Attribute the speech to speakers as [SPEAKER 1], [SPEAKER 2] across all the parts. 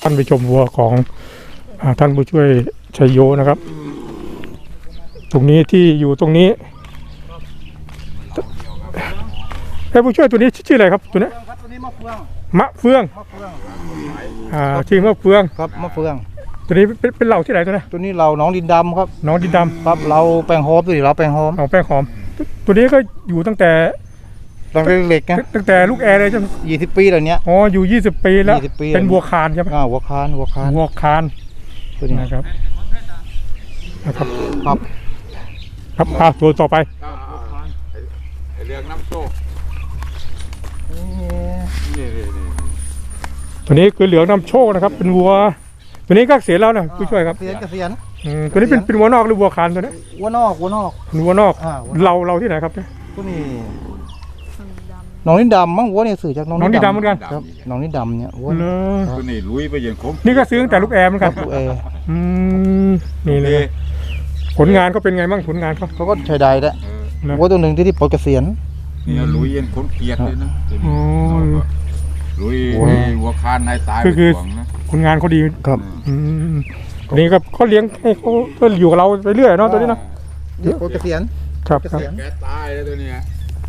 [SPEAKER 1] านไปชมวัวของท่านผู้ช่วยชัยโยนะครับตรงนี้ที่อยู่ตรงนี้ผู้ช่วยตัวนี้ชื่ออะไรครับตัวนี้
[SPEAKER 2] ตัวนี้มะเฟือง
[SPEAKER 1] ชื่อมะเฟือง
[SPEAKER 2] ครับมะเฟือง
[SPEAKER 1] ตัวนี้เป็นเหล่าที่ไหนตัวนี้
[SPEAKER 2] ตัวนี้เราน้องดินดำครับ
[SPEAKER 1] น้องดินดำ
[SPEAKER 2] ครับเราแป้งหอมตัวนี้เราแป้งหอม
[SPEAKER 1] แป้งหอมตัวนี้ก็อยู่ตั้งแต่
[SPEAKER 2] เล็กๆนะ
[SPEAKER 1] ตั้งแต่ลูกแอร์เลยจน
[SPEAKER 2] 20 ปีแล้วเนี้ย
[SPEAKER 1] อ๋ออยู่20 ปีแล้วเป็นวัวคานใช่ไหม
[SPEAKER 2] วัวคาน
[SPEAKER 1] ตัวนี้นะครับ
[SPEAKER 2] ครับ
[SPEAKER 1] ตัวต่อไป
[SPEAKER 3] เรื่องน้ำโชค
[SPEAKER 1] ตัวนี้คือเหลืองนำโชคนะครับเป็นวัวตัวนี้ก็เสียแล้วนะผู้ช่วยครับ
[SPEAKER 2] เสียน
[SPEAKER 1] ตัวนี้เป็นวัวนอกหรือวัวคานตัวนี้
[SPEAKER 2] วัวนอก
[SPEAKER 1] เราที่ไหนครับ
[SPEAKER 2] ตัวนี้น้องนิดดำมั้งวัวเนี่ยสื่อจากน้อง
[SPEAKER 1] นิดดำเหมือนกัน
[SPEAKER 2] ครับน้องนิดดำเนี่ยวัว
[SPEAKER 3] ตัวนี้ลุยไปยังคม
[SPEAKER 1] นี่ก็ซื้อตั้งแต่ลูกแอร์เหมือนกัน
[SPEAKER 2] ลูกแอร์
[SPEAKER 1] นี่เลยผลงานก็เป็นไงบ้างผลงาน
[SPEAKER 2] เขาก็ใช้ได้แล้ววัวตัวหนึ่งที่ปลดเกษียณ
[SPEAKER 3] นี่ลุยยันคนเกียดเลยนะลุยวัวคานให้ตาย
[SPEAKER 1] คือผลงานเขาดี
[SPEAKER 2] ครับ
[SPEAKER 1] นี่ก็เขาเลี้ยงให้เขาก็อยู่กับเราไปเรื่อยเนาะตัวนี้เนาะ
[SPEAKER 2] ปลดเกษียณ
[SPEAKER 1] ครับ
[SPEAKER 3] แกตายแล้วตัวนี้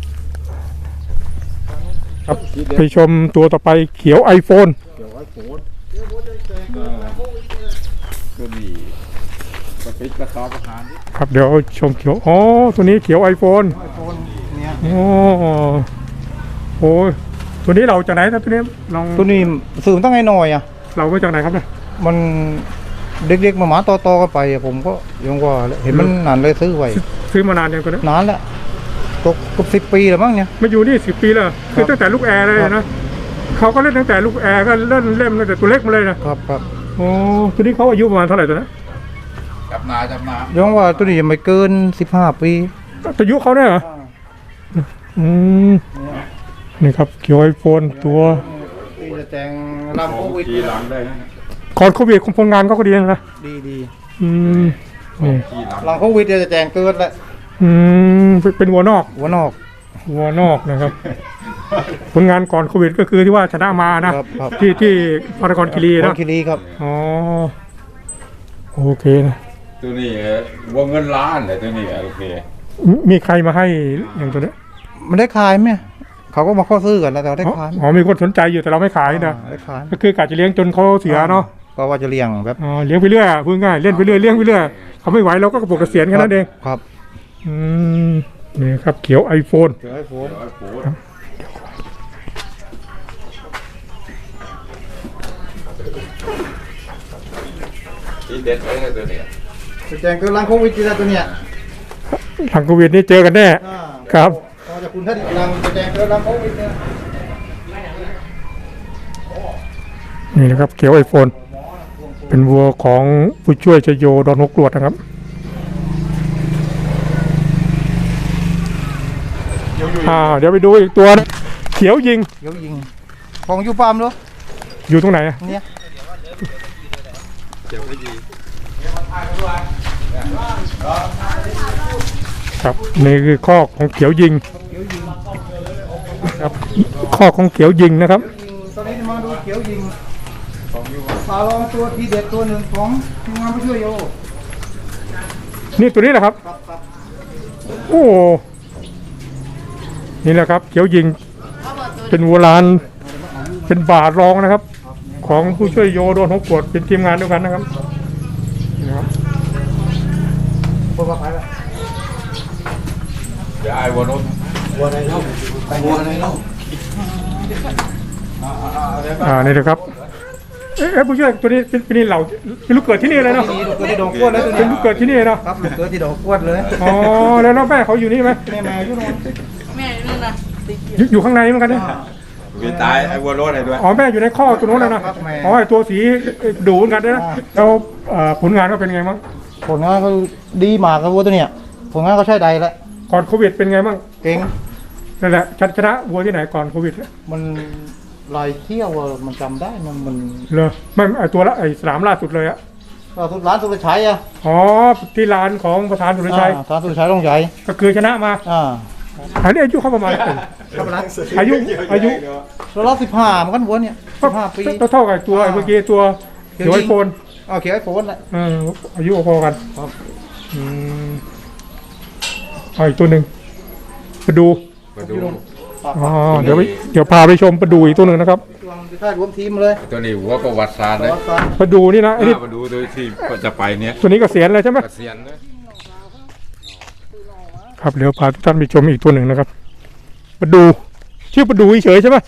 [SPEAKER 1] ครับไปชมตัวต่อไปเขียวไอโฟน
[SPEAKER 3] ตัวนี้กระปิดกระสอบอาหาร
[SPEAKER 1] ครับเดี๋ยวชมเขียวตัวนี้เขียวไอโฟนโอ้ตัวนี้เราจากไหนครับตัวนี้
[SPEAKER 2] ตัวนี้สื่อตั้งไงหน่อย
[SPEAKER 1] เรามาจากไหนครับเนี่ย
[SPEAKER 2] มันเด็กๆมาต่อกันไปผมก็ยังว่าเห็นมันนานเลยซื้อไว้
[SPEAKER 1] ซื้อมานานยังกัน
[SPEAKER 2] นานแล้วตกกับ10 ปีแล้วมั้งเนี่ย
[SPEAKER 1] มาอยู่นี่10 ปีแล้วคือตั้งแต่ลูกแอร์เลยนะเขาก็เล่นตั้งแต่ลูกแอร์ก็เล่นตั้งแต่ตัวเล็กมาเลยนะครับโอ้ตัวนี้เขาอายุประมาณเท่าไหร่ตัวนั้น
[SPEAKER 3] จำนา
[SPEAKER 2] ยังว่าตัวนี้ยังไม่เกิน15 ปี
[SPEAKER 1] อายุเขาเนี่ยเหรอนี่ครับเขียวไอโฟนตัว
[SPEAKER 2] จะแต่งลำโควิด
[SPEAKER 3] หลังได้นะ
[SPEAKER 1] ก่อนโควิดผลงานเขาก็ดีนะ
[SPEAKER 2] ดี
[SPEAKER 1] ห
[SPEAKER 2] ลังโควิดจะแต่งเกินแล้ว
[SPEAKER 1] เป็นวัวนอกนะครับผลงานก่อนโควิดก็คือที่ว่าชนะมานะที่พารากอนคีรีนะ
[SPEAKER 2] ครับ
[SPEAKER 1] อ๋อโอเคนะ
[SPEAKER 3] ตัวนี้วงเงินล้านเลยตัวนี้โอเค
[SPEAKER 1] มีใครมาให้อย่างตัวนี้
[SPEAKER 2] มันได้ขายไหมเขาก็มาข้อซื้อกันแล้วแต่ได้ขาย
[SPEAKER 1] มีคนสนใจอยู่แต่เราไม่ขายนะก็คือกะจะเลี้ยงจนเขาเสียเนาะ
[SPEAKER 2] ก็ว่าจะเลี้ยงแบบ
[SPEAKER 1] เลี้ยงไปเรื่อยพูดง่ายเล่นไปเรื่อยเลี้ยงไปเรื่อยเขาไม่ไหวเราก็ปลดเกษียณแค่นั้นเอง
[SPEAKER 2] ครับ
[SPEAKER 1] นี่ครับเขียวไอโฟน
[SPEAKER 3] ที่เด็ดเลยตัวนี้
[SPEAKER 2] แจงเกินหลังโควิดจีตัวเนี้ย
[SPEAKER 1] หลังโควิดนี่เจอกันแน่ครับ
[SPEAKER 2] จะคุณท่านหลังแจงเกินหลังโควิดเนี่ย
[SPEAKER 1] นี่นะครับเขียวไอโฟนเป็นวัวของผู้ช่วยชัยโยดอนหกกรวดนะครับเดี๋ยวไปดูอีกตัวนะเขียวยิง
[SPEAKER 2] ของอยู่ฟาร์มหรอ
[SPEAKER 1] อยู่ตรงไหน
[SPEAKER 2] เนี่ย
[SPEAKER 1] ครับนี่คือข้อของเขียวยิงครับข้อของเขียวยิงนะครับ
[SPEAKER 2] ตอนนี้มาดูเขียวยิงปลาลองตัวทีเด็ดตัวหนึ่งของทีมงานผู้ช่วยโย
[SPEAKER 1] นี่ตัวนี้แหละครับโอ้นี่แหละครับเขียวยิงเป็นวัวลานเป็นบาทรองนะครับของผู้ช่วยโยโดนหกกดเป็นทีมงานเดียวกันนะครับนะครับ
[SPEAKER 3] ยายวัว
[SPEAKER 2] ไหนเล่า
[SPEAKER 1] นี่นะครับผู้ช่วยตัวนี้เป็นเหล่าลูกเกิดที่นี่เลยเนาะ
[SPEAKER 2] ลูกเกิดที่ดอกกวดเลย
[SPEAKER 1] เป็นลูกเกิดที่นี่เนาะ
[SPEAKER 2] ครับลูกเกิดที่ดอกกวดเลย
[SPEAKER 1] แล้วน้องแม่เขาอยู่นี่ไหม
[SPEAKER 2] แม่อยู่นู่น
[SPEAKER 4] แม่นั่นนะ
[SPEAKER 1] อยู่ข้างในเหมือนกันเนี่ย
[SPEAKER 3] มีตายไอ้วัวโรดอะไรด้วย
[SPEAKER 1] แม่อยู่ในข้อตัวโน้นแล้วนะไอ้ตัวสีดูเหมือนกันนะแล้วผลงานก็เป็นไงบ้าง
[SPEAKER 2] ผลงานก็ดีมากครับวัวตัวเนี้ยผลงานก็ใช้ได้แล้ว
[SPEAKER 1] ก่อนโควิดเป็นไงบ้าง
[SPEAKER 2] เก่ง
[SPEAKER 1] นั่นแหละชนะวัวที่ไหนก่อนโควิด
[SPEAKER 2] มันลายเที่ยวมันจำได้มัน
[SPEAKER 1] เลยไม่ไอตัวละไอสนามล่าสุดเลยอะ
[SPEAKER 2] ร้านสุรชัย
[SPEAKER 1] ที่ร้านของประธานสุรชัย
[SPEAKER 2] ประธานสุรชัยต้องใหญ่
[SPEAKER 1] ก็คือชนะมาอันนี้อายุเขาประมาณอายุ
[SPEAKER 2] เรา15มันกันวัวเนี่ย15 ปี
[SPEAKER 1] เท่ากับตัวเมื่อกี้ตัวเขียวไอโฟน
[SPEAKER 2] เอาเขียวไอโฟนแหละ
[SPEAKER 1] อายุพอกัน
[SPEAKER 2] ครับ
[SPEAKER 1] อืมเอาอีกตัวหนึ่งมาดู
[SPEAKER 3] มาดู
[SPEAKER 1] อ๋อเดี๋ยวพาไปชมมาดูอีกตัวหนึ่งนะครับ
[SPEAKER 2] ตัวมันถ้ารวมทีมเลย
[SPEAKER 3] ตัวนี้หัวประวัติศาสตร์เลย
[SPEAKER 1] มาดูนี่นะไอ้นี่
[SPEAKER 3] มาดูโดยที่จะไปเนี่ย
[SPEAKER 1] ตัวนี้เกษียณเลยใช่ไหม
[SPEAKER 3] เกษียณเลย
[SPEAKER 1] ครับเดี๋ยวพาทุกท่านไปชมอีกตัวหนึ่งนะครับมาดูชื่อมาดูเฉยๆใช่ไหม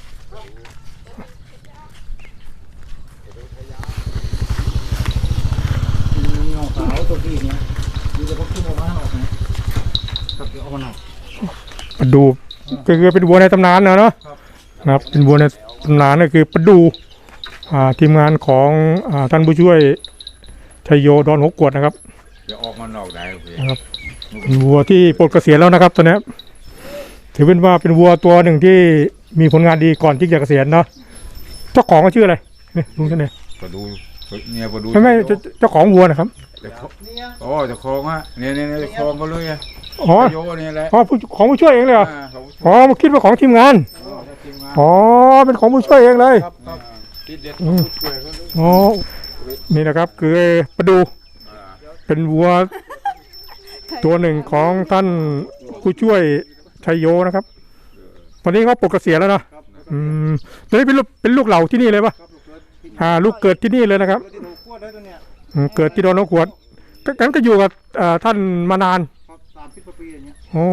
[SPEAKER 2] มีน้องสาวตัวพี่เนี่ยดูแต่พวกขึ้นออกมาหน่อยนะครับเดี๋ยวเอามาหน่อย
[SPEAKER 1] มาดูก็คือเป็นวัวในตำนานนะเนาะนะครับเป็นวัวในตำนานก็คือประดูทีมงานของท่านผู้ช่วยชัยโยดอนหัวกวดนะครับ
[SPEAKER 3] เดี๋ยวออกมานอกได้โอเค
[SPEAKER 1] นะครับเป็นวัวที่ปลดเกษียณแล้วนะครับตอนนี้ถือเป็นว่าเป็นวัวตัวหนึ่งที่มีผลงานดีก่อนที่จะเกษียณเนาะเจ้าของก็ชื่ออะไรนี่ลุงท่านเนี่ย
[SPEAKER 3] มาดูเนี่ยมาดู
[SPEAKER 1] ไม่เจ้าของวัวนะครับ
[SPEAKER 2] เนี่ย
[SPEAKER 3] โอ้จะคลองอ่ะเนี่ยคลองก็เลยอ่ะ
[SPEAKER 1] อ๋อ
[SPEAKER 3] โยนี่แหละ
[SPEAKER 1] ของผู้ช่วยเองเลยเหรอ
[SPEAKER 3] เขา
[SPEAKER 1] อ๋อมาคิดว่าของทีมงาน
[SPEAKER 3] ทีมงาน
[SPEAKER 1] อ๋อเป็นของผู้ช่วยเองเลย
[SPEAKER 2] ครับครับ
[SPEAKER 3] ที่เด็ด
[SPEAKER 1] อืมอ๋อนี่นะครับคือประดูเป็นวัวตัวหนึ่งของท่านผู้ช่วยชัยโยนะครับตอนนี้เขาปลดเกษียณแล้วนะตอนนี้เป็นลูกเหล่าที่นี่เลยปะลูกเกิดที่นี่เลยนะครับ
[SPEAKER 2] ที่ถูกขวดได้ตัวเนี้ย
[SPEAKER 1] เกิดที่ดอนนกขวดกันก็อยู่กับท่านมานาน
[SPEAKER 2] ครับ30 กว่าปีอย่างเงี้ย
[SPEAKER 1] โอ้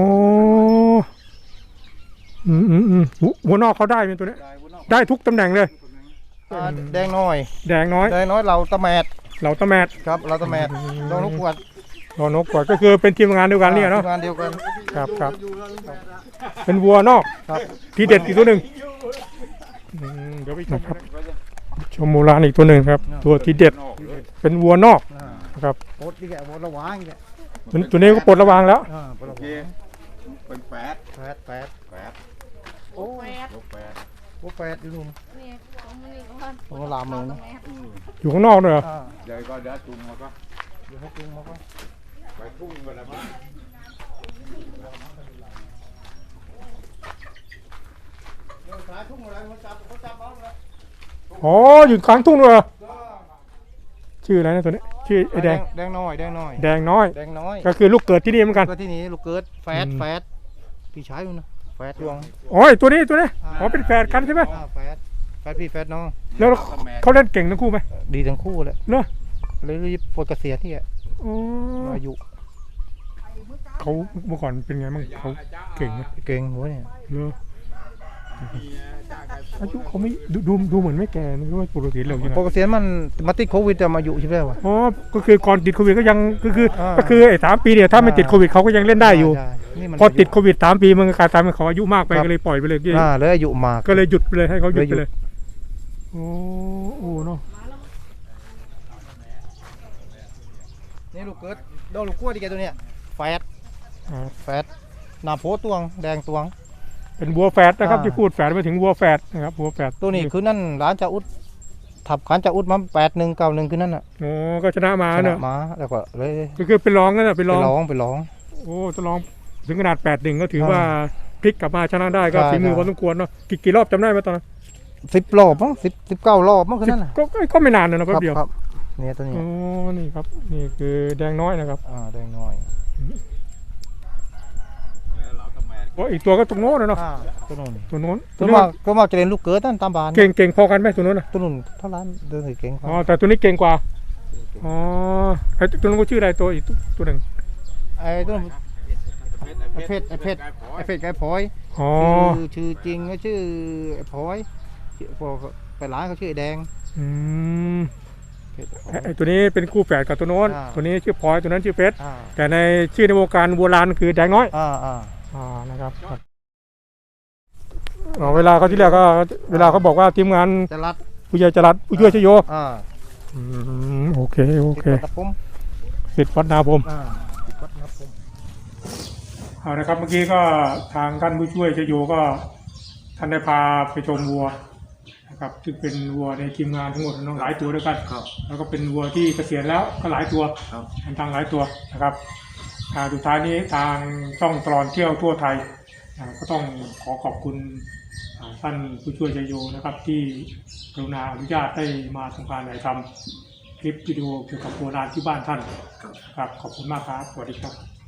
[SPEAKER 1] หัวนอกเขาได้เป็นตัวนี้
[SPEAKER 2] ได้วุ้นออก
[SPEAKER 1] ได้ทุกตำแหน่งเลย
[SPEAKER 2] แดงน้อย
[SPEAKER 1] แดงน้อย
[SPEAKER 2] แดงน้อยเราตะแมด
[SPEAKER 1] เหล่าตะแมด
[SPEAKER 2] ครับเราตะแมดดองลูกขวด
[SPEAKER 1] ดอนนกขวดก็คือเป็นทีมงานเดียวกันเนี่ยเนาะ
[SPEAKER 2] ทีมงานเดียวกัน
[SPEAKER 1] ครับเป็นวัวนอก
[SPEAKER 2] ครับ
[SPEAKER 1] ทีเด็ดอีกตัวหนึ่งเดี๋ยวไปชมครับชมโบราณอีกตัวหนึ่งครับ ตัวทีเด็ดเป็นวัวนอกนะครับ
[SPEAKER 2] โคตรนี่แกโคตรระวังแก
[SPEAKER 1] ตัวนี้ก็ปลดระวางแล้ว
[SPEAKER 2] ปลดระ
[SPEAKER 3] โอ
[SPEAKER 2] วั
[SPEAKER 3] เค
[SPEAKER 2] ง
[SPEAKER 3] เป็นแปด
[SPEAKER 2] แปด
[SPEAKER 3] โอ้ยกแปด
[SPEAKER 2] โอ้แปดอยู่นู่น
[SPEAKER 4] นี่ของมันนี่ก่อน
[SPEAKER 2] ของลามเมืองนะ
[SPEAKER 1] อยู่ข้างนอกด้วยเหรอ
[SPEAKER 3] เดี๋ยวก็เดี๋ยวจุงมาก็
[SPEAKER 2] เดี๋ยวให้จุงมาก็
[SPEAKER 3] ไปทุ่งกันแล้วมั้ง
[SPEAKER 2] สายทุ่งอะไรมันจับเขาจับเอาเลย
[SPEAKER 1] อ๋ออยู่กลางทุ่งด้วยเหรอชื่ออะไรนะตัวนี้ชื่อไอ้แดง
[SPEAKER 2] แดงน้อยแดงน้อย
[SPEAKER 1] แดงน้อย
[SPEAKER 2] แดงน้อย
[SPEAKER 1] ก็คือลูกเกิดที่นี่เหมือนกัน
[SPEAKER 2] ก็ที่นี่ลูกเกิดแฟดพี่ชายอยู่นะแฟดดวง
[SPEAKER 1] อ๋อไอ้ตัวนี้อ๋อเป็นแฝดกันใช่ไหม
[SPEAKER 2] แฟดพี่แฟดน้อง
[SPEAKER 1] แล้วเขาเล่นเก่งทั้งคู่ไหม
[SPEAKER 2] ดีทั้งคู่เลย
[SPEAKER 1] เนอะ
[SPEAKER 2] เลยรีบปลดเกษียณที่
[SPEAKER 1] อ๋อ
[SPEAKER 2] อายุ
[SPEAKER 1] เขาเมื่อก่อนเป็นไงบ้างเขาเก่งไหม
[SPEAKER 2] เก่งหัวเนี่ย
[SPEAKER 1] เลออายุเขาไม่ดูเหมือนไม่แก่นะว่าปกติเรายังไง
[SPEAKER 2] ปลดเกษียณมันมาติดโควิดแต่มาอยู่ใช่ไหมวะ
[SPEAKER 1] อ๋อก็คือก่อนติดโควิดก็ยังก็คือไอ้3 ปีเนี่ยถ้าไม่ติดโควิดเขาก็ยังเล่นได้อยู่
[SPEAKER 2] ใช่นี่มัน
[SPEAKER 1] พอติดโควิด3 ปีมันก็กลายเป็นเขาอายุมากไปก็เลยปล่อยไปเลย
[SPEAKER 2] เลยอายุมาก
[SPEAKER 1] ก็เลยหยุดไปเลยให้เขาหยุดไป
[SPEAKER 2] เลยหยุ
[SPEAKER 1] เลย
[SPEAKER 2] ด
[SPEAKER 1] โอ้เนาะ
[SPEAKER 2] นี่ลูกเกิดดอกลูกกล้วยที่แกตัวเนี้ยแฟด
[SPEAKER 1] อ่า
[SPEAKER 2] แฟดหน้าโพตวงแดงตวง
[SPEAKER 1] เป็นวัวแฝดนะครับ
[SPEAKER 2] อ่า
[SPEAKER 1] ที่พูดแฝดไปถึงวัวแฝดนะครับวัวแฝด
[SPEAKER 2] ตัวนี้คือนั่นร้านจ่าอุดถับขันจ่าอุดมา8191คือนั่นน่ะ
[SPEAKER 1] โอ้ก็ชนะมา
[SPEAKER 2] ชนะ
[SPEAKER 1] เนอะ
[SPEAKER 2] มาแล้วก็เลย
[SPEAKER 1] ก็คือเป็นรองนั่นแหละเป็น
[SPEAKER 2] ไป
[SPEAKER 1] รอง
[SPEAKER 2] ร้อง
[SPEAKER 1] โอ้จะลองถึงขนาด8-1ก็ถือว่าพลิกกลับมาชนะได้ก็
[SPEAKER 2] ใช่
[SPEAKER 1] ฝีมือ
[SPEAKER 2] ใช่
[SPEAKER 1] พอสมควรเนาะกี่รอบจำได้ไหมตอนนั้น
[SPEAKER 2] 10 รอบมั้ง19 รอบมั้งคือนั่นน่ะ
[SPEAKER 1] ก็ไม่นานนะแป๊บเดียว
[SPEAKER 2] ครับเนี่ยตัวนี้
[SPEAKER 1] โอ้นี่ครับนี่คือแดงน้อยนะครับ
[SPEAKER 2] แดงน้อย
[SPEAKER 1] โอ้อีกตัวก็ตรงโน้นนะเนาะ
[SPEAKER 2] ตัวนู้น
[SPEAKER 1] ตัวโน้น
[SPEAKER 2] ตัวมากก็มาจะเล่นลูกเกิดนั่นตามบ้าน
[SPEAKER 1] เก่งพอกันไหมตัวโน้นนะ
[SPEAKER 2] ตัวนู้นเท่าร้านเดินถือเก่ง
[SPEAKER 1] อ๋อแต่ตัวนี้เก่งกว่าอ๋อไอ้ตัวนู้นก็ชื่ออะไรตัวอีกตัวหนึ่ง
[SPEAKER 2] ไอ้ตัวนู้นไอ้เพชรไก่พลอย
[SPEAKER 1] อ๋อ
[SPEAKER 2] ชื่อจริงก็ชื่อไอ้พลอยพอไปร้านเขาชื่อไอ้แดง
[SPEAKER 1] อืม
[SPEAKER 2] เพชร
[SPEAKER 1] ไอ้ตัวนี้เป็นคู่แฝดกับตัวโน้น
[SPEAKER 2] อ่า
[SPEAKER 1] ตัวนี้ชื่อพลอยตัวนั้นชื่อเพชร
[SPEAKER 2] อ่า
[SPEAKER 1] แต่ในชื่อในวงการโบราณคือแดงน้อย
[SPEAKER 2] อ่า
[SPEAKER 1] นะครับเวลาเขาที่แรกก็เวลาเขาบอกว่าทีมงาน
[SPEAKER 2] จะรัด
[SPEAKER 1] ผู้ใหญ่จรัสผู้ช่วยชโย โอเค
[SPEAKER 2] ติดวัดตะปุ่ม
[SPEAKER 1] สิทธิ์วัดนาพรม
[SPEAKER 2] ติดวัดตะปุ่ม
[SPEAKER 1] เอานะครับเมื่อกี้ก็ทางท่านผู้ช่วยชโยก็ท่านได้พาไปชมวัวนะครับซึ่งเป็นวัวในทีมงานทั้งหมดน้องหลายตัวด้วยกันแล้วก็เป็นวัวที่เกษียณแล้วก็หลายตัวทางหลายตัวนะครับสุดท้ายนี้ทางช่องตลอดเที่ยวทั่วไทยก็ต้องขอบคุณท่านผู้ช่วยชัยโยนะครับที่กรุณาอนุญาตได้มาทำการถ่ายทำคลิปวิดีโอเกี่ยวกับโบราณที่บ้านท่านครับขอบคุณมากครับสวัสดีครับ